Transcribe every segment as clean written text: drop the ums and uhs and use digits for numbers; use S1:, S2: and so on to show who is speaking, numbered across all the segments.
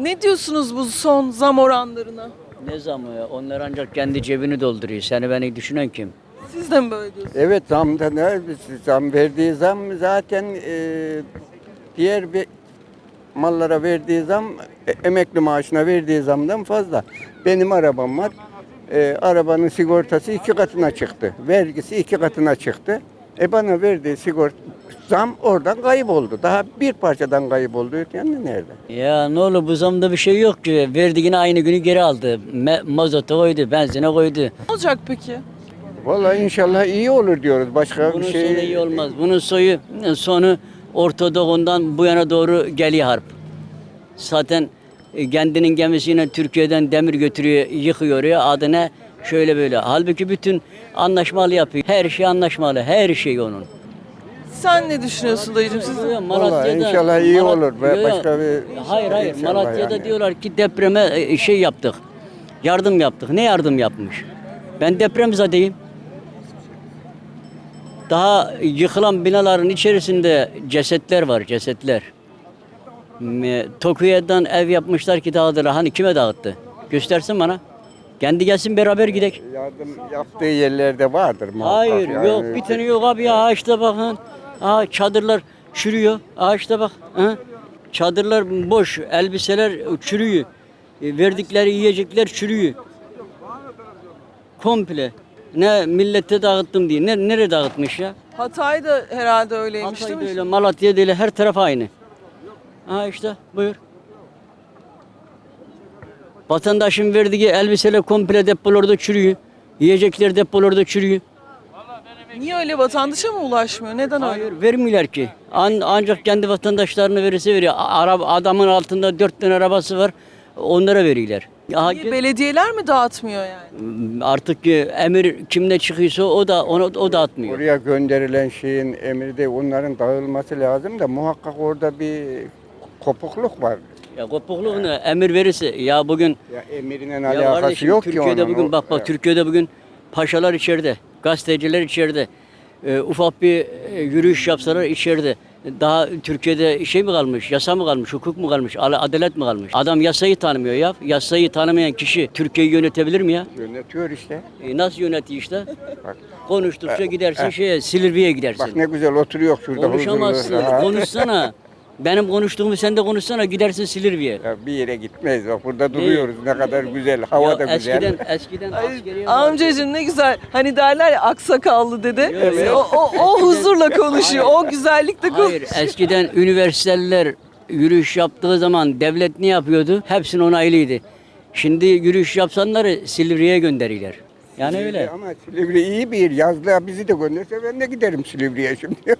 S1: Ne diyorsunuz bu son zam oranlarına?
S2: Ne zamı ya? Onlar ancak kendi cebini dolduruyor. Seni beni düşünen kim?
S1: Siz de mi böyle diyorsunuz?
S3: Evet zamda ne? Zam verdiği zam zaten diğer bir mallara verdiği zam emekli maaşına verdiği zamdan fazla. Benim arabam var. Arabanın sigortası 2 katına çıktı. Vergisi 2 katına çıktı. Bana verdiği sigorta zam oradan kayboldu. Daha bir parçadan kayboldu. Yani nerede?
S2: Ya ne olur bu zamda bir şey yok ki. Verdiğini aynı günü geri aldı. Mazota koydu, benzine koydu.
S1: Ne olacak peki?
S3: Vallahi inşallah iyi olur diyoruz. Başka
S2: Bunun
S3: bir şey
S2: sonu iyi olmaz. Bunun sonu Orta Doğu'ndan bu yana doğru geliyor harp. Zaten kendinin gemisiyle Türkiye'den demir götürüyor, yıkıyor ya adına şöyle böyle. Halbuki bütün anlaşmalı yapıyor. Her şey anlaşmalı, her şey onun.
S1: Sen ne düşünüyorsun dayıcım? Siz de...
S3: Vallahi inşallah iyi olur. Başka bir
S2: Hayır,
S3: inşallah
S2: Malatya'da
S3: yani.
S2: diyorlar ki depreme şey yaptık. Yardım yaptık. Ne yardım yapmış? Ben depremzedeyim. Daha yıkılan binaların içerisinde cesetler var, cesetler. Tokyo'dan ev yapmışlar ki dağıtırlar. Hani kime dağıttı? Göstersin bana. Kendi gelsin beraber gidelim.
S3: Yardım yaptığı yerlerde vardır muhakkak.
S2: Hayır
S3: yani.
S2: yok bir tane yok abi ya ağaçta bakın. Çadırlar çürüyor. Ağaçta bak. Çadırlar boş. Elbiseler çürüyor. Verdikleri yiyecekler çürüyor. Komple. Ne millete dağıttım diye. Nereye dağıtmış ya?
S1: Hatay da herhalde öyleymiş değil
S2: Hatay'da
S1: mi?
S2: öyle, Malatya'da öyle her taraf aynı. İşte buyur. Vatandaşın verdiği elbiseler komple depolarda çürüyor. Yiyecekler depolarda çürüyor.
S1: Niye öyle, vatandaşa mı ulaşmıyor? Neden öyle?
S2: Hayır vermiyorlar ki. Ancak kendi vatandaşlarına verirse veriyor. Adamın altında 4 tane arabası var. Onlara veriyorlar.
S1: Niye belediyeler mi dağıtmıyor yani?
S2: Artık emir kimde çıkıyorsa o dağıtmıyor.
S3: Oraya gönderilen şeyin emri de onların dağılması lazım da muhakkak orada bir kopukluk var.
S2: Ya kopukluğu ne? Emir verirse ya bugün
S3: Ya emirinin
S2: ya
S3: alakası
S2: kardeşim,
S3: yok
S2: Türkiye'de
S3: ki onun.
S2: bugün bak Türkiye'de bugün paşalar içeride, gazeteciler içeride. Ufak bir yürüyüş yapsalar içeride. Daha Türkiye'de şey mi kalmış, yasa mı kalmış, hukuk mu kalmış, adalet mi kalmış? Adam yasayı tanımıyor ya. Yasayı tanımayan kişi Türkiye'yi yönetebilir mi ya?
S3: Yönetiyor işte.
S2: Nasıl yönetiyor işte?
S3: Bak,
S2: Konuştukça gidersin Silivri'ye gidersin.
S3: bak ne güzel oturuyor şurada
S2: Konuşamazsın,
S3: huzurlu.
S2: konuşsana. Benim konuştuğumu sen de konuşsana, gidersin Silivri'ye.
S3: Ya bir yere gitmeyiz. Bak burada duruyoruz. Ne kadar güzel. Hava
S2: Ya
S3: da güzel.
S2: eskiden
S1: Ay,
S2: askeriye vardı.
S1: amcacığım ne güzel. Hani derler ya aksakallı dede.
S2: Evet.
S1: O huzurla konuşuyor. O güzellikle konuşuyor.
S2: Hayır, eskiden üniversiteler yürüyüş yaptığı zaman devlet ne yapıyordu? Hepsinin onaylıydı. Şimdi yürüyüş yapsanları Silivri'ye gönderiyorlar. Yani öyle.
S3: Ama Silivri iyi bir yer. Yazlığa bizi de gönderse ben de giderim Silivri'ye şimdi.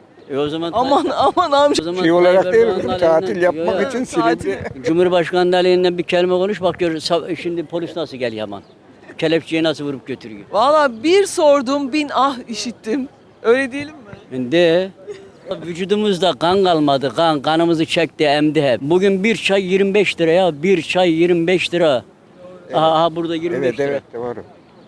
S2: O zaman
S1: Aman amca.
S2: o zaman
S3: Şey olarak
S2: Tayyip
S3: değil
S2: Erdoğan'ın
S3: mi? Tatil
S2: aleyhinden-
S3: yapmak
S2: Yo,
S3: için
S1: tatil.
S3: Silivri.
S2: Cumhurbaşkanı aleyhinden bir kelime konuş bak gör şimdi polis nasıl geliyor aman. Kelepçeyi nasıl vurup götürüyor.
S1: Valla bir sordum 1000 ah işittim. Öyle diyelim mi?
S2: De vücudumuzda kan kalmadı. Kanımızı çekti, emdi hep. Bugün bir çay 25 lira ya. Bir çay 25 lira. Burada 25
S3: Evet
S2: lira.
S3: evet doğru.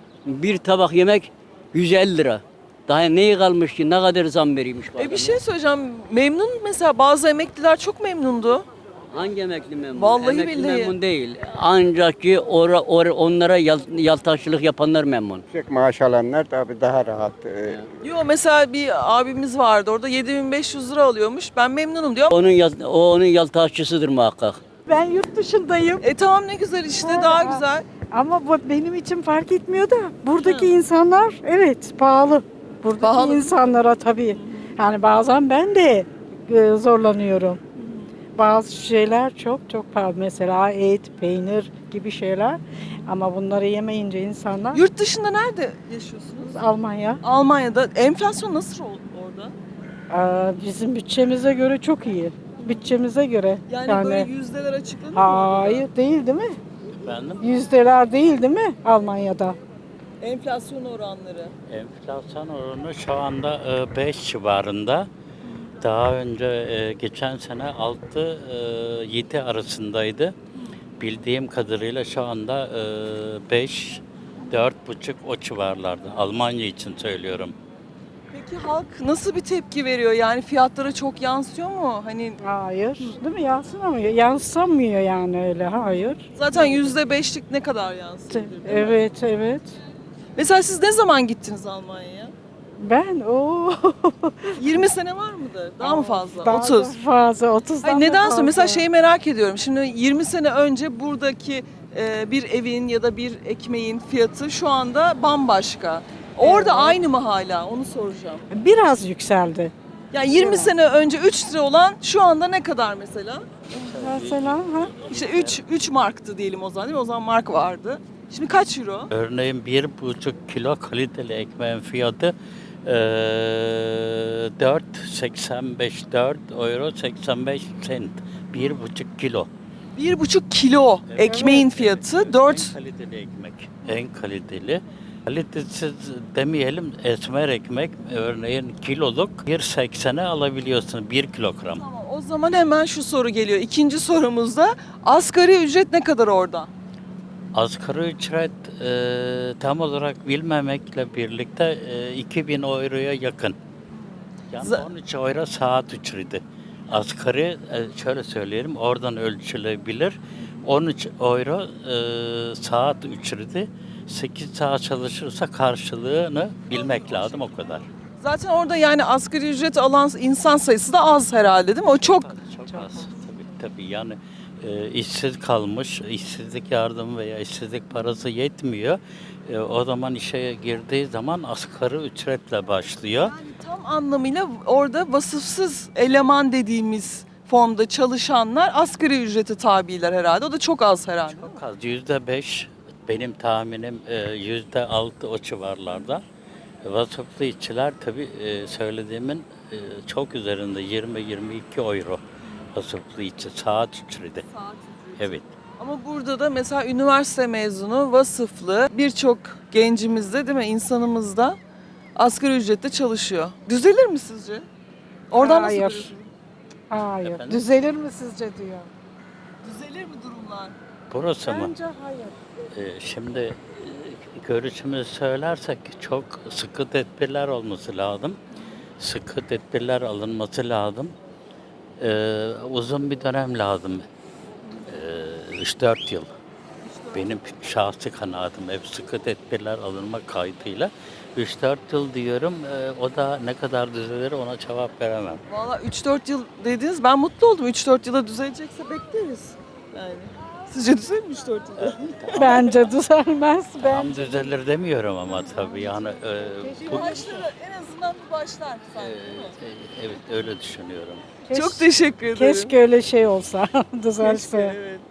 S2: Bir tabak yemek 150 lira. Daha neyi kalmış ki? Ne kadar zam veriyormuş bu
S1: Bir
S2: adam?
S1: şey söyleyeceğim. Memnun mesela bazı emekliler çok memnundu.
S2: Hangi emekli memnun?
S1: Vallahi
S2: emekli
S1: billahi.
S2: memnun değil. Ancak ki onlara yaltakçılık yapanlar memnun.
S3: Yüksek maaş alanlar tabii daha rahat.
S1: Yo mesela bir abimiz vardı orada 7500 lira alıyormuş. Ben memnunum diyor.
S2: Onun yaltakçısıdır muhakkak.
S4: Ben yurt dışındayım
S1: Tamam ne güzel işte daha güzel.
S4: ama bu benim için fark etmiyor da buradaki insanlar evet pahalı. Buradaki
S1: Pahalı.
S4: insanlara tabii. Yani bazen ben de zorlanıyorum. Bazı şeyler çok çok pahalı. Mesela et, peynir gibi şeyler. Ama bunları yemeyince insanlar
S1: Yurt dışında nerede yaşıyorsunuz?
S4: Almanya
S1: Almanya'da. Enflasyon nasıl orada?
S4: bizim bütçemize göre çok iyi. Bütçemize göre.
S1: Yani böyle yüzdeler açıklanır mı?
S4: Hayır değil mi?
S2: Efendim?
S4: Yüzdeler değil mi Almanya'da?
S1: Enflasyon oranları.
S5: Enflasyon oranı şu anda 5 civarında. Daha önce geçen sene 6-7 arasındaydı. Bildiğim kadarıyla şu anda 5, 4,5 o civarlarda. Almanya için söylüyorum.
S1: Peki halk nasıl bir tepki veriyor? Yani fiyatlara çok yansıyor mu? Hani
S4: Hayır. Değil mi? Yansımıyor. Yansımıyor yani öyle. Hayır.
S1: zaten %5'lik ne kadar yansıyor?
S4: Evet, evet.
S1: Mesela siz ne zaman gittiniz Almanya'ya?
S4: Ben o
S1: 20 sene var mıdır? Daha mı fazla?
S4: Daha
S1: 30.
S4: da fazla, 30'dan
S1: Hayır,
S4: da
S1: neden
S4: fazla.
S1: sonra? Mesela şeyi merak ediyorum. Şimdi 20 sene önce buradaki bir evin ya da bir ekmeğin fiyatı şu anda bambaşka. Orada
S4: Evet.
S1: aynı mı hala? Onu soracağım.
S4: Biraz yükseldi.
S1: Yani 20
S4: Evet.
S1: sene önce 3 lira olan şu anda ne kadar mesela?
S4: Mesela ha?
S1: İşte 3 marktı diyelim o zaman değil mi? O zaman mark vardı. Şimdi kaç euro?
S5: Örneğin 1,5 kilo kaliteli ekmeğin fiyatı 4,85 euro 85 sent. 1,5 kilo.
S1: 1,5 kilo ekmeğin fiyatı 4.
S5: En kaliteli ekmek. En kaliteli. Kalitesiz demeyelim, esmer ekmek örneğin kiloluk 1,80'e alabiliyorsun 1 kilogram.
S1: Tamam, o zaman hemen şu soru geliyor. İkinci sorumuzda asgari ücret ne kadar orada?
S5: Asgari ücret tam olarak bilmemekle birlikte 2000 euroya yakın. Yani
S1: Z-
S5: 13 euro saat ücreti. Asgari şöyle söyleyelim oradan ölçülebilir. 13 euro saat ücreti. 8 saat çalışırsa karşılığını bilmek lazım o kadar.
S1: Zaten orada yani asgari ücret alan insan sayısı da az herhalde değil mi? O çok.
S5: Çok az tabii yani işsiz kalmış, işsizlik yardımı veya işsizlik parası yetmiyor. O zaman işe girdiği zaman asgari ücretle başlıyor.
S1: Yani tam anlamıyla orada vasıfsız eleman dediğimiz formda çalışanlar asgari ücrete tabiler herhalde. O da çok az herhalde.
S5: Çok az, %5 benim tahminim %6 o civarlarda. Vasıflı işçiler tabii söylediğimin çok üzerinde 20-22 euro vasıflı işçi saat ücreti. Evet.
S1: Ama burada da mesela üniversite mezunu, vasıflı birçok gencimiz de değil mi insanımız da asgari ücretle çalışıyor. Düzelir mi sizce? Oradan nasıl
S4: Hayır.
S1: görüyorsunuz?
S4: Hayır.
S5: Efendim?
S4: Düzelir mi sizce diyor.
S1: Düzelir mi durumlar?
S5: Burası mı?
S4: Bence hayır.
S5: Şimdi görüşümüzü söylersek çok sıkı tedbirler olması lazım. Sıkı tedbirler alınması lazım. Uzun bir dönem lazım. 3-4 yıl. Benim şahsi kanaatim hep sıkı tedbirler alınmak kaydıyla. 3-4 yıl diyorum. O da ne kadar düzelir ona cevap veremem.
S1: Valla 3-4 yıl dediniz. Ben mutlu oldum. 3-4 yıla düzelecekse bekleriz. Yani. Sizce düzelir mi 3-4 yılda?
S4: Bence düzelmez. Ben
S5: Tam düzelir demiyorum ama tabii yani
S1: Bir
S5: bu,
S1: başlar, en azından bir başlar sanki değil mi?
S5: evet öyle düşünüyorum.
S1: Çok teşekkür ederim.
S4: keşke öyle şey olsa, düzelse.
S1: Evet.